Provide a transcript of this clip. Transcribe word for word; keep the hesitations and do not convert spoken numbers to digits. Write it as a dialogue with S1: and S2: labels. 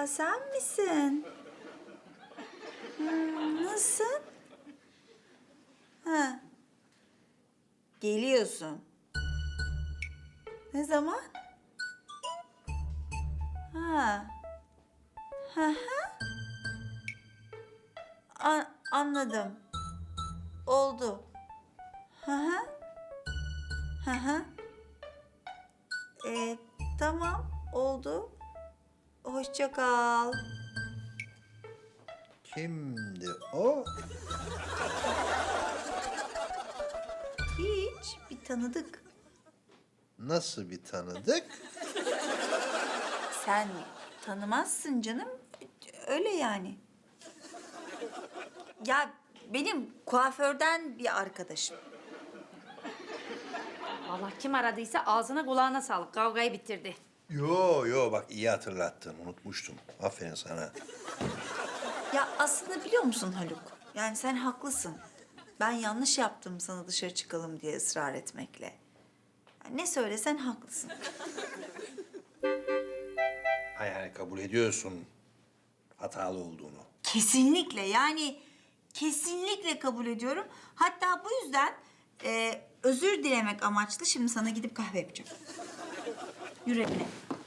S1: Aa, sen misin? Hmm, nasılsın? Ha. Geliyorsun. Ne zaman? Ha. Ha ha. A- anladım. Oldu. Ha ha. Ha ha. Ee, tamam, oldu. Hoşça kal.
S2: Kimdi o?
S1: Hiç, bir tanıdık.
S2: Nasıl bir tanıdık?
S1: Sen tanımazsın canım. Öyle yani. Ya benim kuaförden bir arkadaşım.
S3: Allah kim aradıysa ağzına kulağına sağlık. Kavgayı bitirdi.
S2: Yo yo bak iyi hatırlattın. Unutmuştum. Aferin sana.
S1: Ya aslında biliyor musun Haluk? Yani sen haklısın. Ben yanlış yaptım sana dışarı çıkalım diye ısrar etmekle. Yani ne söylesen haklısın.
S2: Ha yani kabul ediyorsun hatalı olduğunu.
S1: Kesinlikle yani kesinlikle kabul ediyorum. Hatta bu yüzden e, özür dilemek amaçlı şimdi sana gidip kahve yapacağım. Yürü evine.